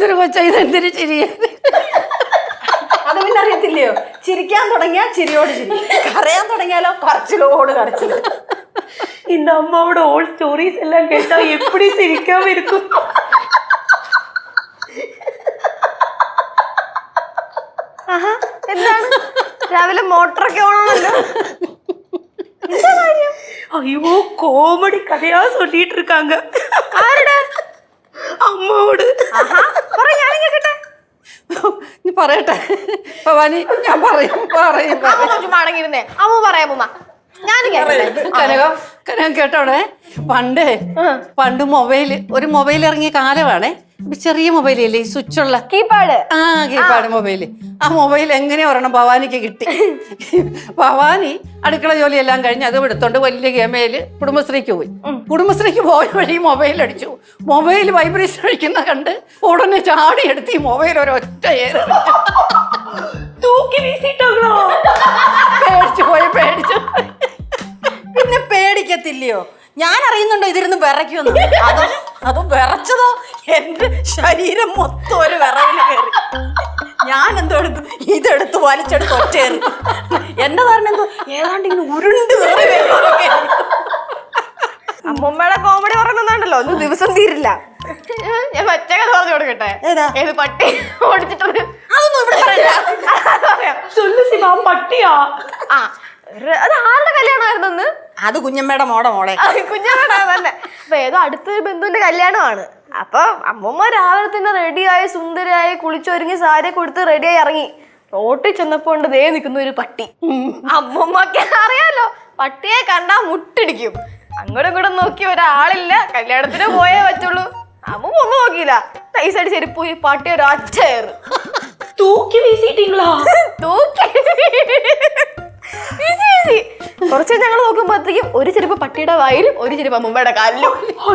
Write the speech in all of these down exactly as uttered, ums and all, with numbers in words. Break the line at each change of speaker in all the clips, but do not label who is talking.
എന്തൊരു കൊച്ചാ ഇതെന്തൊരു ചിരിയ.
അത് പിന്നെ അറിയത്തില്ലയോ, ചിരിക്കാൻ തുടങ്ങിയാൽ ചിരിയോട് ചിരി, കരയാൻ തുടങ്ങിയാലോ കരച്ചിലോട് കരച്ചിൽ.
இந்த அம்மாவோட ஓல்ட் ஸ்டோரிஸ் எல்லாம் கேட்டா எப்படி சிரிக்காம இருக்கும்.
എന്താണ് രാവിലെ മോട്ടറൊക്കെ ഓണമല്ലോ?
ஐயோ கோமடி கதையா சொல்லிட்டு இருக்காங்க.
ആരുടെ?
അമ്മോട്. നീ പറയട്ടെ ഭവാനി, ഞാൻ പറയും പറയും
മടങ്ങിയിരുന്നേ അമ്മ പറയാമ്മ. ഞാൻ
കനകം കനകം കേട്ടോടെ, പണ്ട് പണ്ട് മൊബൈല് ഒരു മൊബൈൽ ഇറങ്ങിയ കാലമാണേ. ചെറിയ മൊബൈലല്ലേ, ഈ സ്വിച്ചുള്ള
കീപാഡ്.
ആ കീപാഡ് മൊബൈല്. ആ മൊബൈൽ എങ്ങനെ ഒരെണ്ണം ഭവാനിക്ക് കിട്ടി. ഭവാനി അടുക്കള ജോലിയെല്ലാം കഴിഞ്ഞ് അത് എടുത്തോണ്ട് വലിയ ഗമയില് കുടുംബശ്രീക്ക് പോയി. കുടുംബശ്രീക്ക് പോയ വഴി മൊബൈൽ അടിച്ചു. മൊബൈൽ വൈബ്രേഷൻ അടിക്കുന്ന കണ്ട് ഉടനെ ചാടി എടുത്ത് ഈ മൊബൈൽ ഒരൊറ്റ ഏറ് തൂക്കി വീശിട്ടോ. പേടിച്ചു പോയി പേടിച്ചു.
പിന്നെ പേടിക്കത്തില്ലയോ? ഞാൻ അറിയുന്നുണ്ടോ ഇതിരുന്ന് വിറയ്ക്കുമെന്ന്. അതോ അതോ വിറച്ചതോ എന്റെ ശരീരം മൊത്തം ഒരു വിറവില് കയറി. ഞാൻ എന്തോ എടുത്തു, ഇതെടുത്ത് വലിച്ചെടുത്ത് ഒറ്റയേറി. എന്റെ ധാരണ എന്തോ ഏതാണ്ട് ഇങ്ങനെ ഉരുണ്ട് കയറി. അമ്മൂമ്മയുടെ കോമഡി പറയുന്നുണ്ടല്ലോ, ഒന്നും ദിവസം തീരില്ല. ഞാൻ മറ്റേ കഥ പറഞ്ഞു കൊടുക്കട്ടെ. ഏത് പട്ടി ഓടിച്ചിട്ടത്? അതൊന്നും ഇവിടെ പറയാം.
പട്ടിയാ?
ആ അത് ആരുടെ കല്യാണമായിരുന്നെന്ന്? അത് കുഞ്ഞമ്മയുടെ മോടെ മോളെ കുഞ്ഞമ്മയുടെ തന്നെ. അപ്പൊ ഏതോ അടുത്തൊരു ബന്ധുവിന്റെ കല്യാണമാണ്. അപ്പൊ അമ്മൂമ്മ രാവിലെ തന്നെ റെഡിയായി സുന്ദരിയായി കുളിച്ചൊരുങ്ങി സാരി കൊടുത്ത് റെഡിയായി ഇറങ്ങി. റോട്ടിൽ ചെന്നപ്പോ ഉണ്ട് ദേ നിൽക്കുന്ന ഒരു പട്ടി. അമ്മൂമ്മക്ക് അറിയാലോ, പട്ടിയെ കണ്ടാ മുട്ടിടിക്കും. അങ്ങോട്ടും ഇങ്ങോട്ടും നോക്കി ഒരാളില്ല, കല്യാണത്തിന് പോയേ പറ്റുള്ളൂ. അമ്മൂമ്മ ഒന്നും നോക്കിയില്ല, നൈസായിട്ട് ചെരുപ്പ് പോയി പട്ടി ഒരു അച്ചേറ്
തൂക്കി വീശിട്ടീങ്ങളാ?
തൂക്കി കുറച്ച് ഞങ്ങൾ നോക്കുമ്പോഴത്തേക്കും ഒരു ചെരുപ്പ് പട്ടിയുടെ വായിലും ഒരു ചെരുപ്പ് അമ്മൂമ്മയുടെ കാലിലും.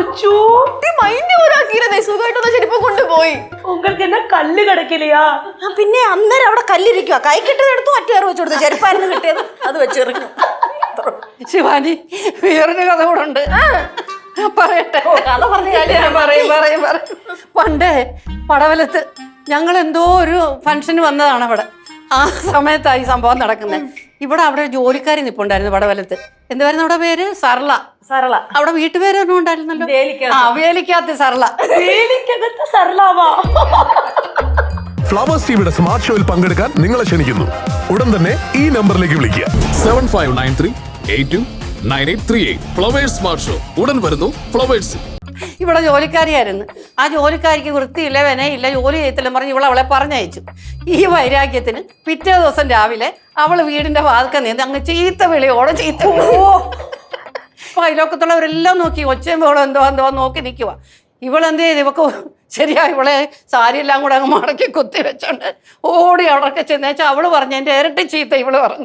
സുഖമായിട്ടൊന്ന് ചെരുപ്പ് കൊണ്ടുപോയി.
കല്ല് കിടക്കില്ലയാ?
പിന്നെ അന്നേരം അവിടെ കല്ലിരിക്കുക. കൈ കിട്ടതെടുത്തു അറ്റേറ് വെച്ചു കൊടുത്തു. ചെരുപ്പായിരുന്നു കിട്ടിയത്, അത് വെച്ചെറിഞ്ഞു.
ശിവാനി, വേറൊരു കഥ കൂടെ ഉണ്ട്, പറയട്ടെ.
കഥ പറഞ്ഞു കാര്യം
പറയും പറയും പറയും. പണ്ടേ പടവലത്ത് ഞങ്ങൾ എന്തോ ഒരു ഫംഗ്ഷന് വന്നതാണ് അവിടെ. ആ സമയത്താണ് ഈ സംഭവം നടക്കുന്നത്. ഇവിടെ അവിടെ ഒരു ജോലിക്കാരി നിപ്പുണ്ടായിരുന്നു പടവലത്ത്. എന്തായിരുന്നു അവിടെ പേര്? സർള.
സർള.
അവിടെ വീട്ടുപേര് ഒന്നും ഉണ്ടായിരുന്നല്ലോ. ആ വേലിക്കകത്ത് സർള. വേലിക്കകത്ത് സർളാവാ.
ഫ്ലവേഴ്സ് ടിവിയുടെ സ്മാർട്ട് ഷോയിൽ പങ്കെടുക്കാൻ നിങ്ങളെ ക്ഷണിക്കുന്നു. ഉടൻ തന്നെ ഈ നമ്പറിലേക്ക് വിളിക്കുക.
Seven five nine three eight two nine eight three eight. Flowers smart show ഉടൻ വരുന്നു ഫ്ലവേഴ്സ്.
ഇവിടെ ജോലിക്കാരിയായിരുന്നു. ആ ജോലിക്കാരിക്ക് വൃത്തിയില്ല, വിനയില്ല, ജോലി ചെയ്യത്തില്ലെന്ന് പറഞ്ഞ് ഇവൾ അവളെ പറഞ്ഞയച്ചു. ഈ വൈരാഗ്യത്തിന് പിറ്റേ ദിവസം രാവിലെ അവൾ വീടിന്റെ വാതിൽക്കൽ നിന്ന് അങ്ങ് ചീത്ത വിളിയോടെ ചീത്ത. അപ്പൊ അയലോക്കത്തുള്ളവരെല്ലാം നോക്കി, ഒച്ചയും ബഹളം എന്തോ എന്തോ നോക്കി നിൽക്കുക. ഇവളെന്ത് ചെയ്ത്, ഇവക്ക് ശരിയാ ഇവളെ സാരിയെല്ലാം കൂടെ അങ്ങ് മടക്കി കുത്തി വെച്ചോണ്ട് ഓടി അവിടൊക്കെ ചെന്നേച്ചാൽ അവള് പറഞ്ഞു എന്റെ ഇരട്ടി ചീത്ത ഇവള് പറഞ്ഞു.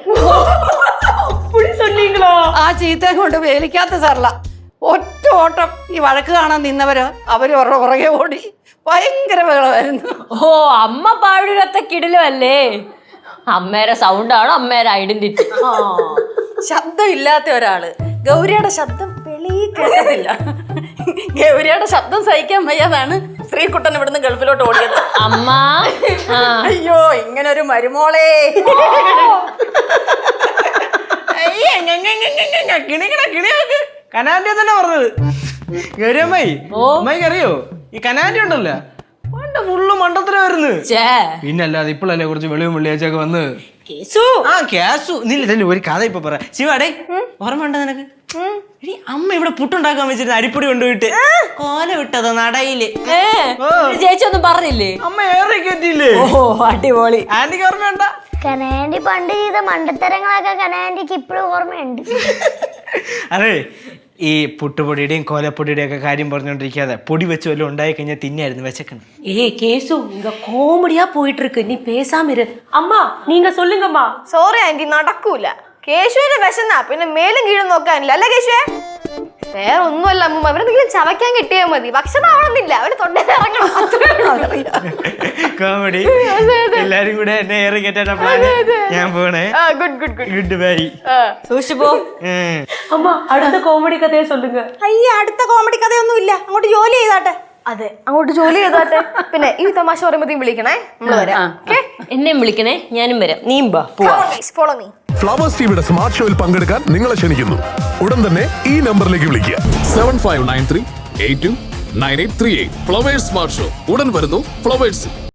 ആ ചീത്തയും കൊണ്ട് വേലിക്കാത്ത സർള ഒറ്റ ഓട്ടം. ഈ വഴക്ക് കാണാൻ നിന്നവര് അവര് പുറകെ ഓടി. ഭയങ്കര ബഹളമായിരുന്നു.
ഓ, അമ്മ പാടുകത്ത കിടിലല്ലേ? അമ്മേരെ സൗണ്ടാണോ അമ്മേരെ ഐഡന്റിറ്റി?
ശബ്ദം ഇല്ലാത്ത ഒരാള്. ഗൗരിയുടെ ശബ്ദം വെളി കേട്ടതില്ല. ഗൗരിയുടെ ശബ്ദം സഹിക്കാൻ വയ്യാതാണ് ശ്രീകുട്ടൻ ഇവിടുന്ന് ഗൾഫിലോട്ട് ഓടിയത്.
അമ്മ
അയ്യോ, ഇങ്ങനൊരു മരുമോളെ.
കനാൻഡി തന്നെ പറഞ്ഞത്. ഗൗരിയമ്മായി, അമ്മായിക്ക് അറിയോ ഈ കനാൻഡി ഉണ്ടല്ലോ, പണ്ട് ഫുള്ള് മണ്ടത്തരമായിരുന്നു. പിന്നല്ലാതെ ഇപ്പോഴല്ലേ കുറച്ച് വെളിവും വെള്ളിയാഴ്ചയൊക്കെ വന്ന്. ആ കേസു നില്ല ഒരു കഥ ഇപ്പൊ പറ. ശിവാടേ, ഓർമ്മ ഉണ്ടോ നിനക്ക്? അമ്മ ഇവിടെ പുട്ടുണ്ടാക്കാൻ വെച്ചിരുന്ന അരിപ്പൊടി കൊണ്ടുപോയിട്ട് കോല വിട്ടതോ നടയില്.
ചേച്ചി ഒന്നും പറഞ്ഞില്ലേ?
അമ്മ ഏറെ കയറ്റിയില്ലേ?
ഓ അടിപൊളി.
ആന്റിക്ക് ഓർമ്മയുണ്ട?
കനാൻഡി പണ്ട് ചെയ്ത മണ്ടത്തരങ്ങളൊക്കെ കനാൻഡിക്ക് ഇപ്പോഴും ഓർമ്മയുണ്ട്.
അതെ, ഈ പുട്ടുപൊടിയുടെയും കോലപ്പൊടിയുടെയും ഒക്കെ കാര്യം പറഞ്ഞോണ്ടിരിക്കാതെ പൊടി വെച്ച് വല്ലതും ഉണ്ടായി കഴിഞ്ഞാൽ തിന്നായിരുന്നു വിശക്കണം.
ஏ கேசு, இங்க காமெடியா போயிட்டு இருக்கு, நீ பேசாம இரு. அம்மா நீங்க சொல்லுங்கம்மா.
സോറി ആന്റി, നടക്കൂല. കേശുവിന് വിശന്നാ പിന്നെ മേലും കീഴും നോക്കാനില്ല അല്ലേ കേശുവേ? വേറെ ഒന്നുമല്ല അമ്മൂമ്മ, അവരെന്തെങ്കിലും ചവയ്ക്കാൻ കിട്ടിയാൽ മതി. ഭക്ഷണം ആവണമെന്നില്ല, അവര് തൊണ്ടയിറങ്ങണം.
കോമഡി. എല്ലാരും കൂടെ എന്നെ ഏറി കയറ്റാൻ പ്ലാൻ. ഞാൻ പോണേ.
Good good good
good bye.
സൂക്ഷിപ്പോ.
അമ്മ അടുത്ത കോമഡി കഥയെ சொல்லுங்க.
അയ്യ, അടുത്ത കോമഡി കഥയൊന്നും ഇല്ല. അങ്ങോട്ട് ജോലി ചെയ്താട്ടെ. അതെ അങ്ങോട്ട് ജോലി ചെയ്തോട്ടെ. പിന്നെ ഈ തമാശ പറയുമ്പോഴത്തേക്കും വിളിക്കണേ, നമ്മള് വരാം.
എന്നെയും വിളിക്കണേ, ഞാനും വരാം. നീയും ബാ പോവാ.
Follow me.
ഫ്ലവേഴ്സ് ടിവിയുടെ സ്മാർട്ട് ഷോയിൽ പങ്കെടുക്കാൻ നിങ്ങളെ ക്ഷണിക്കുന്നു. ഉടൻ തന്നെ ഈ നമ്പറിലേക്ക് വിളിക്കുക.
Seven five nine three eight two nine eight three eight Flowers smart show ഉടൻ വരുന്നു ഫ്ലവേഴ്സ്.